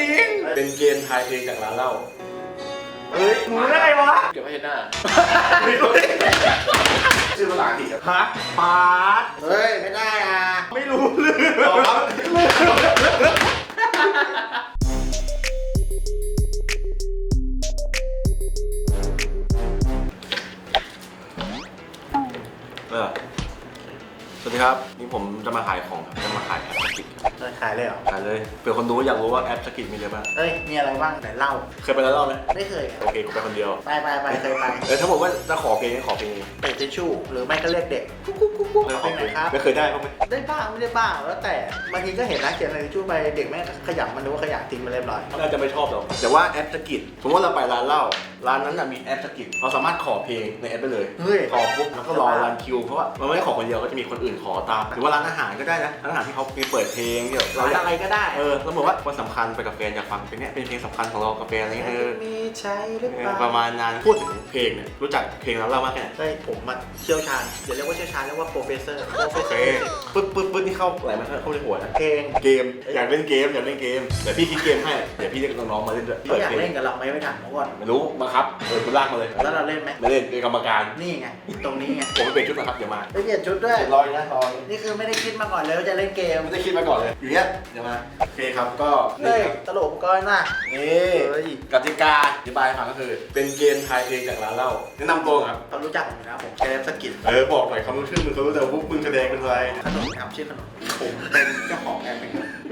ริงเป็นเกมทายเพลงจากร้านเหล้าเฮ้ยมึงได้ไงวะเก็บไว้ให้หน้าชื่อภาษาอังกฤษครับฮะปาดเฮ้ยไม่ได้อ่ะไม่รู้เรื่องสวัสดีครับนี่ผมจะมาขายของจะมาขายแอปสกิทขายเลยเหรอขายเลยเผื่อคนดูอยากรู้ว่าแอปสกิทมีอะไรบ้างเฮ้ยมีอะไรบ้างไหนเล่าเคยไปแล้วเล่าไหมไม่เคยโอเคกูไปคนเดียวไปเคยไปถ้าบอกว่าจะขอเพลงขอเพลงเตะทิชชู่หรือไม่ก็เรียกเด็กกุ๊กเพลงไหนครับไม่เคยได้บ้างไหมได้บ้างไม่ได้บ้างแล้วแต่บางทีก็เห็นนะเขียนในทิชชู่ไปเด็กแม่ขยำมันนึกว่าขยะทิ้งมาเรียบร้อยน่าจะไม่ชอบหรอกแต่ว่าแอปสกิทสมมติเราไปร้านเหล้าร้านนั้นมีแอปสกิทเราสามารถขอเพลงในแอปได้เลยขอปุ๊บแล้วก็รอรันคิวเพราะว่ามันไม่ได้ขอคนเดียวก็จะมีคนอื่นขอตามหรือว่าร้านอาหารก็ได้นะร้านอาหารที่เขามีเปิดเพลงที่เราอะไรก็ได้แล้วบอกว่าวันสำคัญไปกับแฟนอยากฟังเพลงนี้เป็นเพลงสำคัญของเรากับแฟนอะไรเงี้ยมีใช้หรือเปล่าประมาณนั้นพูดถึงเพลงเนี่ยรู้จักเพลงร้านเหล้ามากแค่ไหนใช่ผมมาเชี่ยวชาญอย่าเรียกว่าเชี่ยวชาญเรียกว่าโปรเฟสเซอร์ปึ๊บนี่เข้าอะไรมาเข้าในหัวนะเพลงเกมอยากเล่นเกมเดี๋ยวพี่คิดเกมให้เดี๋ยวพี่เรียกน้องๆมาเล่นด้วยอยากเล่นกับเราไม่ถามเขาก่อนไม่รู้มาครับคุณลากมาเลยแล้วเราเล่นไหมไม่เล่นเป็นกรรมการนี่ไงตรงนี้ไงผมไม่เปลี่ยนชุดนะครับเดี๋ยวมาไม่เปลี่ยนชุดด้วยรอนะนี่คือไม่ได้คิดมาก่อนเลยว่าจะเล่นเกมไม่ได้คิดมาก่อนเลยอยู่เนี้ยเดี๋ยวมาโอเคครับก็นี่ตลกก้อนน่ะนี่กติกาอธิบายฟังก็คือเป็นเกมทายเพลงจากร้านเหล้าแนะนำตัวครับเขารู้จักผมนะผมแกมสกิทบอกหน่อยเขารู้ชื่อมึงเขารู้แต่พวกมึงแสดงเป็นอะไรขนมครับชื่อขนมผมเป็นเจ้าของแอปเป็น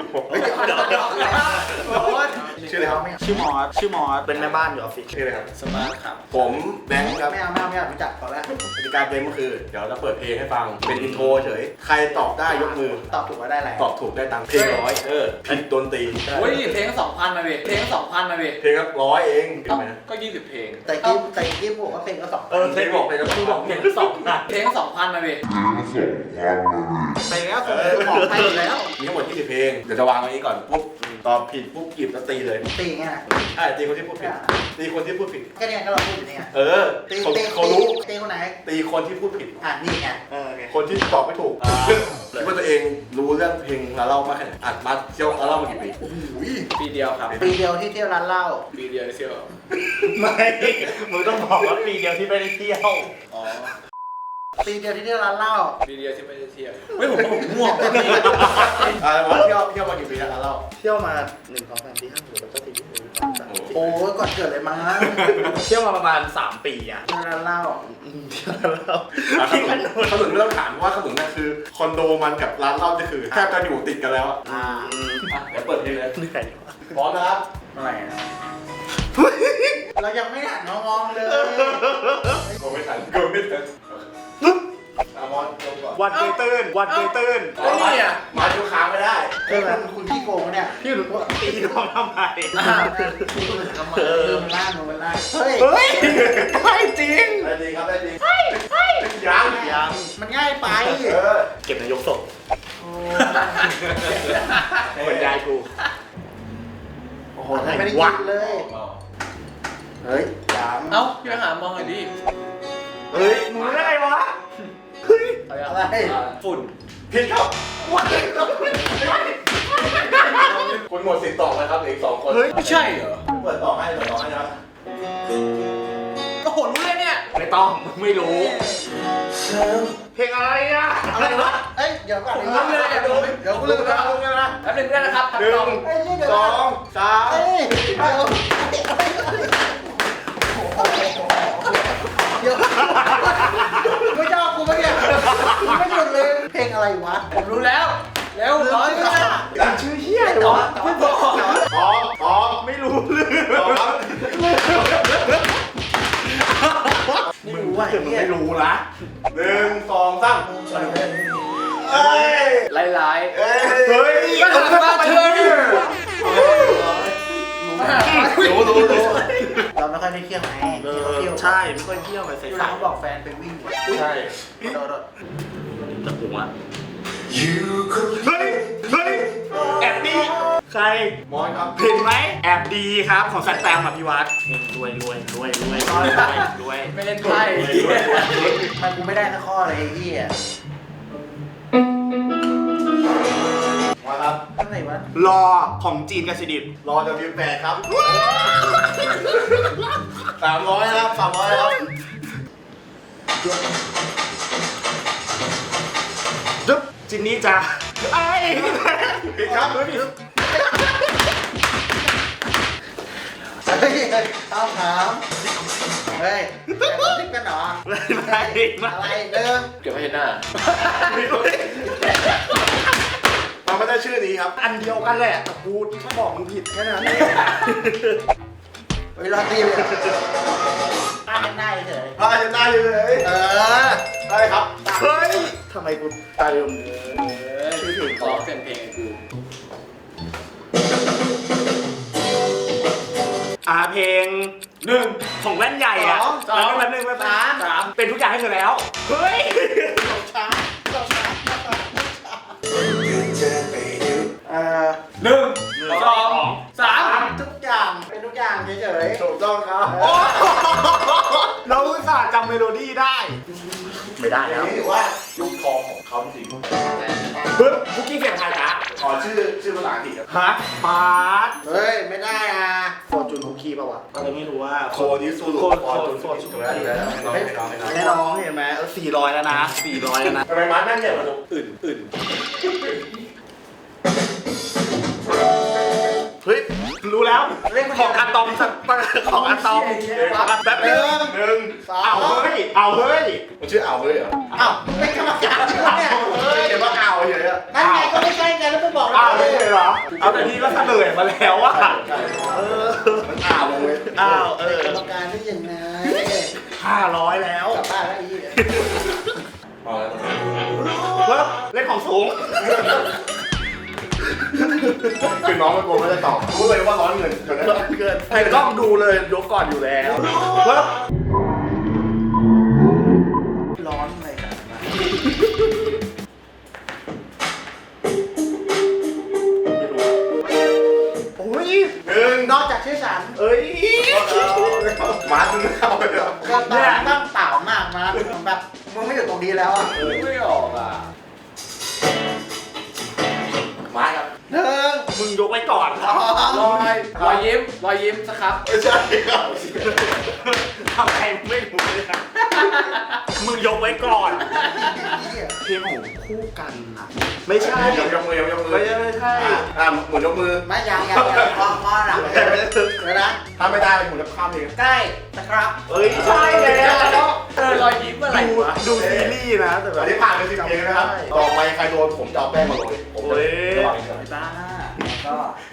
ชื่ออะไรครับชื่อมอสเป็นแม่บ้านอยู่ออฟฟิศชื่ออะไรครับสมาร์ทครับผมแบงค์ครับไม่เอารู้จักพอแล้วกติกาเกมก็คือเดี๋ยวเราเปิดเพลงให้ฟังเป็นอินโทรเฉยใครตอบได้ยกมือตอบถูกก็ได้อะไรตอบถูกได้ตังค์เพลง100ผิดโดนตีโอ้ยเพลง2,000มาเว้ยเพลง2,000มาเว้ยเพลงละ100เองก็20เพลงแต่กิ๊บบอกว่าเพลงก็2,000 เพลงบอกเพลงก็2,000 เพลงก็2,000เพลง2,000มาเว้ยเพลงแล้วบอกไปแล้วมีทั้งหมด20เพลงเดี๋ยวจะวางไว้นี้ก่อนปุ๊บตอบผิดปุ๊บหยิบแล้วตีเลยตีไงตีคนที่พูดผิดตีคนที่พูดผิดก็เนี่ยก็เราพูดอยู่นี่ไงเขารู้ตีคนไหนตีคนที่พูดผิดนี่ไงคนที่ตอบไม่ถูกคิดว่าตัวเองรู้เรื่องเพลงร้านเหล้ามากแค่ไหนมาเที่ยวร้านเหล้ามากี่ปีปีเดียวครับปีเดียวที่เที่ยวร้านเหล้าปีเดียวเที่ยวไม่มึงต้องบอกว่าปีเดียวที่ไม่ได้เที่ยวปีเดียวที่เที่ยวร้านเหล้าปีเดียวที่ไม่ได้เที่ยวไม่ผมง่วงเที่ยวมากี่ปีแล้วร้านเหล้าเที่ยวมา1 2 3 4 5 6 7 8 9 10โอ้ยก่อนเกิดเลยมั้งเที่ยวมาประมาณ3 ปีอ่ะเที่ยวร้านเหล้าที่ขนุนไม่ต้องถามว่าขนุนนั่นคือคอนโดมันกับร้านเหล้าจะคือแทบจะอยู่ติดกันแล้วเดี๋ยวเปิดเพลงเลยพร้อมนะครับอะไรเรายังไม่หันมองเลยกูไม่ทันวันเกยตื้นนี่อ่ะมาดูค้างไม่ได้ใช่ไหมคุณขี้โกงเนี่ยพี่หลุดว่าตีน้องทำไมมันล่างเฮ้ยไม่จริงได้จริงครับได้จริงยังมันง่ายไปเก็บนายกศพเหมือนยายกูโอ้โหไม่ได้กินเลยเฮ้ยยังพี่ไปหามองหน่อยดิเฮ้ยมึงได้ไงวะอะไรฝุ่นผิดครับคุณหมดสิทธิ์ตอบเลยครับอีก2 คนเฮ้ยไม่ใช่เหรอเปิดต่อให้นะครับก็โหรู้เลยเนี่ยไม่ต้องไม่รู้เพลงอะไรอ่ะอะไรวะเอ้ยเดี๋ยวก่อนเดี๋ยวกูเลือกนะแป๊บนึงได้นะครับ 1 2 3 ไม่ชอบกูมั้งเนี่ยไม่หยุดเลยเพลงอะไรวะผมรู้แล้วร้อยชื่อเฮียเลยวะไม่บอกไม่รู้เรื่องไม่รู้ว่าไม่รู้ละ 1 2 3 ไล่เฮ้ยมาเธอรู้เราไม่ค่อยได้เที่ยวไงใช่ไม่ค่อยเที่ยวไปใส่ๆเขาบอกแฟนไปวิ่งใช่จะปรุงอ่ะเฮ้ยแอบดีใครมอนครับเห็นไหมแอบดีครับของสัตว์แตมอภิวัตรวยไม่เล่นไพ่มันกูไม่ได้สักข้อเลยไอ้เหี้ยมาครับอะไรวะรอของจีนกับสวีเดนรอ W8 ครับ300ครับ300ครับดึ๊บจินนี่จ้าไอ้ผิดครับเฮ้ยต้องถามเฮ้ยแต่เราติดกันเหรอไม่ไม่อะไรเดิมเก็บไว้เห็นหน้ามันไม่ได้ชื่อนี้ครับอันเดียวกันแหละแต่กูแค่บอกมึงผิดแค่นั้นเองเวลาตีเลยอ่านได้เฉยพาจะได้เลย ได้ครับเฮ้ยทำไมกูตายมชื่อถึงร้องเป็นเพลงไอ้กูเพลงหนึ่งของแว่นใหญ่อะแล้วแป๊บนึงแป๊บนึงสามเป็นทุกอย่างให้เธอแล้ว เฮ้ยหนึ่งสองสามทุกอย่างเป็นทุกอย่างเฉยถูกต้องครับเราอุตส่าห์จำเมโลดี้ได้ ไม่ได้อแล้ย่างวนี้ถือว่ายุคทองของเขาจริงปึ๊บคุกกี้เสียงไทยนะขอชื่อภาษาอังกฤษครับฮะปาร์ตๆเฮ้ยไม่ได้นะโฟร์จูนคุกกี้ป่าวะอะไรไม่รู้ว่าโคนิซูรุฟอร์จูนถูกแล้วถูกแล้วน้องไม่น้องไม่น้องให้น้องเห็นไหม400แล้วนะ400แล้วนะทำไมม้านั่งใหญ่กว่าหนูอื่นเฮ้ย รู้แล้วเรื่องของอะตอมสักของอะตอมแป๊บนึงหนึ่งเอาเฮ้ย เอาเฮ้ยมันชื่ออ่าวเฮ้ยเหรออ้าวเป็นกรรมการใช่ไหมเนี่ยเขียนว่าอ่าวเฉยๆอะนั่นไงก็ไม่ใช่ไงแล้วไปบอกอ้าวเราไม่ใช่เหรอ เอาแต่นี่ก็เฉลยมาแล้วว่ามันอ่าววงเว้ยอ้าวเออกรรมการได้ยังไง 500แล้วกลับบ้านแล้วอีกเอาแล้วเฮ้ยเล่นของสูงคือน้องมันกลัวไม่ได้ตอบรู้เลยว่าร้อนเงินจนนั้นเกินไอ้กล้องดูเลยยกก่อนอยู่แล้วเฮ้ยร้อนเลยกันนะโอ้ยหนึ่งนอกจากชื่อฉันเอ้ยมาถึงเอาเลยเหรอก็ตอนนั่งเปล่ามากนะแบบมึงไม่อยู่ตรงนี้แล้วอ่ะไม่ออกอ่ะมาครับหนึ่งมึงยกไว้ก่อนรอยยิ้มสักครับไม่ใช่ครับทำไมไม่รู้เลยนะมึงยกไว้ก่อน เพลงของคู่กันนะไม่ใช่ยกมือยกมือไม่ใช่หมุนยกมือไม่ยังพอหลังเดี๋ยวนะถ้าไม่ได้หมุนแล้วข้ามเองใกล้นะครับเอ้ยใช่แล้วรอยยิ้มอะไรวะดูซีรีส์นะแต่แบอับนนี้ผ่านไป10 เพลงนะครับ ต่อไปใครโดนผมจะเอาแป้งมาโรยผมจะระวังเฉยบ้าก็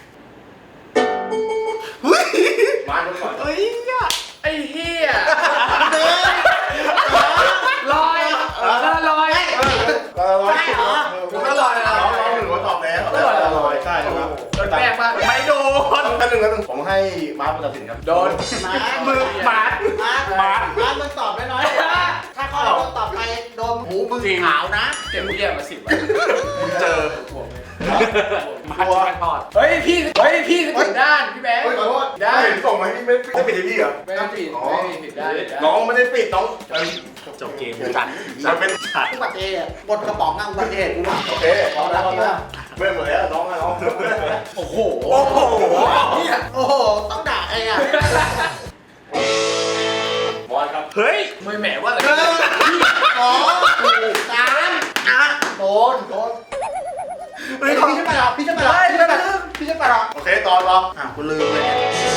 เฮ้ยมาดูก่อนเฮ้ยอะไอ้เหี้ยหนึ่งลอยลอยใช่เหรอผมก็ลอยนะน้องหนึ่งว่าตอบแล้วลอยใช่ครับโดนแป้งป่ะไม่โดนท่านหนึ่งแล้วหนึ่งผมให้มาร์คตัดสินครับโดนมือหมาดมามึงตอบน้อยๆถ้าข้อเราตอบไปโดนหูมึงขาวนะเก็บเหี้ยมา10 วันมึงเจอมาชิคทอดเฮ้ยพี่ผิดด้านพี่แบงค์เฮ้ยขอโทษได้เห็นส่งมาที่ไม่ได้ปิดที่พี่เหรอไม่ได้ผิดด้านน้องไม่ได้ปิดน้องจบเกมจัดมันเป็นอุบัติเหตุบนกระป๋องนั่งอุบัติเหตุกูว่ะโอเคพอแล้วเมื่อหมดแล้วน้องน้องโอ้โหโอ้โหโอ้โหต้องด่าไอ้อ่ะบอลครับเฮ้ยไม่แหมว่าอะไรหนึ่งสองสามโดนเฮ้ยพี่จะไปหรอพี่จะไปหรอพี่จะไปหรอพี่จะไปหรอโอเคตอนรอกูลืมเลย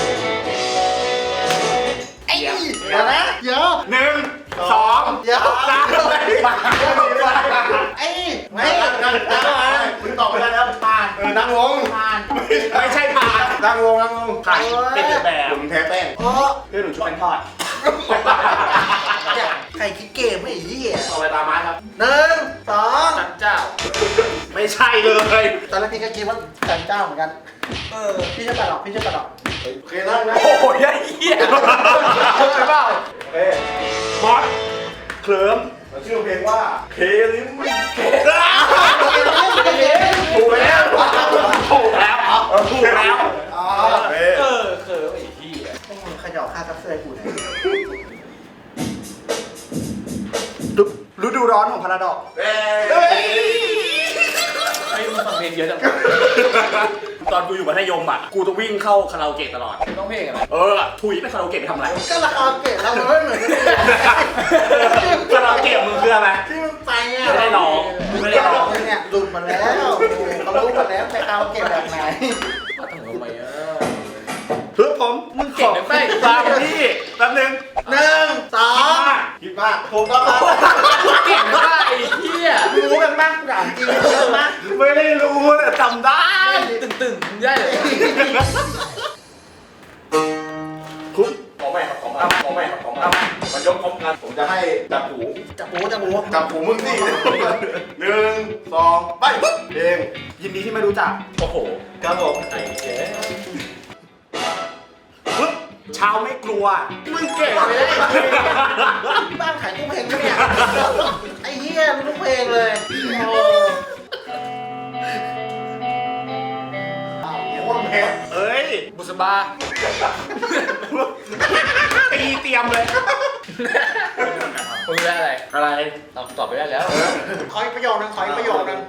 ไอ้เดี๋ยวนะเดี๋ยว 1 2 เดี๋ยว 3 ไอ้ไม่นั่งมึงตอบไม่ได้แล้วผ่านนั่งลงผ่านไม่ใช่ผ่านนั่งลงนั่งลงผ่านเป็นแบบผมแพ้แป้งโอ้เพื่อนหนูช่วยทอดใครคิดเกมไม่ไอ้เหี้ยต่อไปตามไม้ครับหนึ่งสองจันเจ้าไม่ใช่เลยตอนแรกพี่ก็คิดว่าแต่งเจ้าเหมือนกันพี่จะไปหรอพี่จะไปหรอโอเคนั่งนะโอ้ยไอ้เหี้ยใช่เปล่าโอเคบอสเคลิ้มชื่อเพลงว่าเคลิมถูกแล้วถูกแล้วถูกแล้วโอเคเคยไอ้เหี้ยมึงขย่อค่าซับเสื้อกูเนี่ยฤดูร้อนของพาราดอกเฮ้ยไอ้มึงฟังเพลงเยอะจังตอนกูอยู่มัธยมอ่ะกูจะวิ่งเข้าคาราโอเกะตลอดต้องเพลงอะไรถุยไปคาราโอเกะไปทำอะไรก็ราคาเกตเราไม่เหมือนกันคาราโอเกะมึงคืออะไรที่มึงไปอ่ะไม่ได้ร้องไม่ได้ร้องเนี่ยหลุดมาแล้วเขารู้มาแล้วไปคาราโอเกะแบบไหนมาถึงทำไมอ่ะเพื่อผมมึงเก่งนะไปตามพี่แป๊บนึง 1 2 คิดว่าถูกต้องครับเก่งนะไอ้เหี้ยรู้กันบ้างถามจริงรู้กันบ้างไม่ได้รู้แต่จำได้ตึงๆมึงได้เลยคุณขอใหม่ครับขอใหม่ขอใหม่ครับขอใหม่มันยกพร้อมกันผมจะให้จับหูจับหูจับหูจับหูมึงสิ1 2ไปปึ๊บเพลงยินดีที่ไม่รู้จักโอ้โหครับผมไอ้เหี้ยปึ๊บเช้าไม่กลัวมึงเก่งเลยบ้านขายตู้เพลงไหมเนี่ยไอ้เหี้ยรู้ทุกเพลงเลยโอ้โคตรแพ้เอ้ยบุษบาตีเตรียมเลยมึงได้อะไรอะไรตอบไปได้แล้วขออีกประโยคนึงขออีกประโยคนึง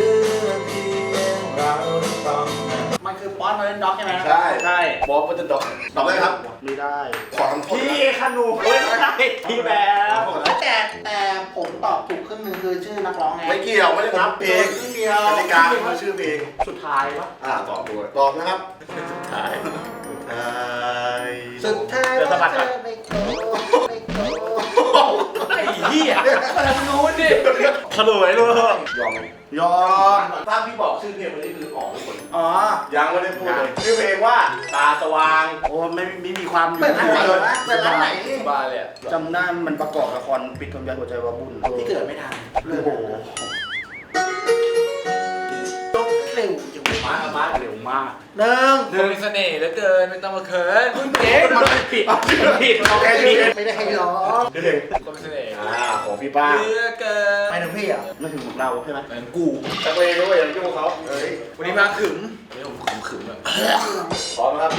มันคือป๊อตมาเล่นด็อกใช่ไหมใช่ใช่บอกว่าจะดอกตอบได้ครับไม่ได้ขอคำโทษพี่ขนูเฮ้ยไม่ได้พี่แบบแต่ผมตอบถูกครึ่งหนึงคือชื่อนักร้องไงไม่เกี่ยวไม่ได้นับเพลงครึ่งเดียวกติกาคือชื่อเพลงสุดท้ายปะตอบด้วยตอบนะครับใช่สุดท้ายว่าเธอไม่โกรธไม่โกรธไอ้เหี้ยทางนู้นดิเฉลยเลยยอมไหมยอมถ้าพี่บอกชื่อเพลงคนนี้คือออกทุกคนอ๋อยังไม่ได้พูดเลยชื่อเพลงว่าตาสว่างโอ้ไม่มีความอยู่เปิดร้านไหนวะเปิดร้านไหนบาเลยอ่ะจำได้มันประกอบละครปิดทองยายหัวใจวาบุญที่เกิดไม่ทันโอ้โหยกเร็วจังมาเร็วมากหนึ่งเธอมีเสน่ห์เหลือเกินไม่ต้องมาเขินมึงเอ๊ะมันผิดผิดโอเคผิดไม่ได้ให้ร้องชื่อเพลงคนมีเสน่ห์ของพี่ป้าเหลือเกินไปถึงพี่อ่ะไม่ถึงของเราใช่ไหมเหมือนกูจักรเองด้วยยังยุ่งเขาเฮ้ยวันนี้มาขึมวันนี้ผมขึมอ่ะพร้อมนะครับ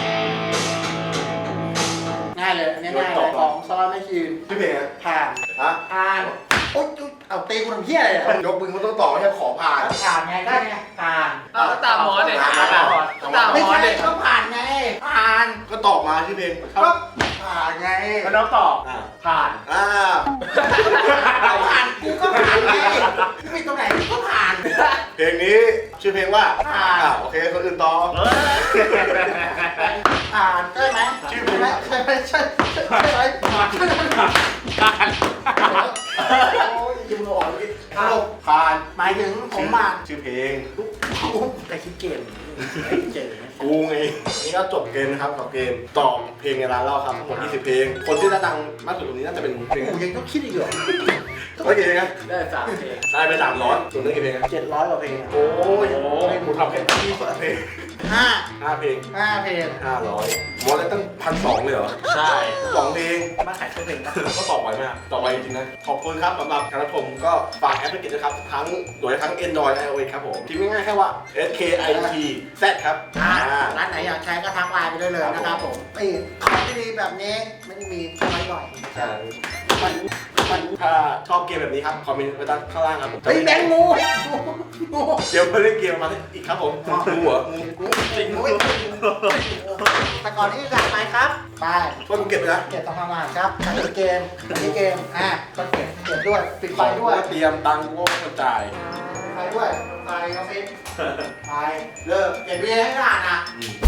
ง่ายเลยอันนี้ง่ายเลยของสลัดไม่คืนชื่อเพลงนะผ่านฮะผ่านโอ๊ยเอาตีกูทำเพี้ยอะไรอ่ะยกมือมันต้องตอบไม่ใช่ขอผ่านผ่านไงได้ไงผ่านอ้าวก็ตามหมอเด็กตามหมอตามหไม่มอใช่เด็กก็ผ่านไงผ่านก็ตอบมาชื่อเพลงก็ผ่านไงแล้วน้องตอบผ่านผ่านกูก็ผ่านไงไม่ตรงไหนกูก็ผ่านเพลงนี้ชื่อเพลงว่าผ่านโอเคคนอื่นต่อผ่านใช่ไหมชื่อเพลงใช่ไหมใช่ไหมผ่านโอ้ยยิ้มหล่อเลยผ่านหมายถึงผมผ่านชื่อเพลงแต่คิดเกมเจอกูไงนี่ก็จบเกมนะครับกับเกมตอบเพลงในร้านเล่าครับทั้งหมด20เพลง คนที่ได้ตังค์มากสุดตรงนี้น่าจะเป็นเพลงกูยังต้องคิดอีกเหรอไม่กี่เพลงนะได้3เพลงได้ไป300ส่วนเรื่องกี่เพลงนะ 700กว่าเพลงโอ้ยให้กูทำแค่20เพลง 5 5เพลงเพลง 500หมดแล้วตั้ง1,200เลยเหรอใช่ 2เพลงมาขายเครื่องเพลงปะก็ตอบไวมากตอบไวจริงๆนะ ขอบคุณครับสำหรับการรับชมก็ฝากแอปพลิเคชันนะครับ ทั้งโดยทั้ง Android และ iOS ครับผมพิมพ์ง่ายๆแค่ว่า SKIT Z ครับร้านไหนอยากใช้ก็ทักไลน์ไปได้เลยนะครับผมนี่ของที่ดีแบบนี้ไม่ได้มีแค่ไว้บ่อยใช่ถ้าชอบเกมแบบนี้ครับ คอมเมนต์ไว้ด้านข้างล่างครับผมเฮ้ยแบงค์งูงูเดี๋ยวมาเล่นเกมมาอีกครับผมงูเหรองูจริงงูแต่ก่อนที่จะไปครับไปช่วยกูเก็บไปนะเก็บทำงานครับอันนี้เกมก็เก็บด้วยปิดไฟด้วยเตรียมตังค์ก็กระจายไฟด้วยไฟออฟฟิศไปเลิกเก็บเบียร์ให้งานอ่ะอืม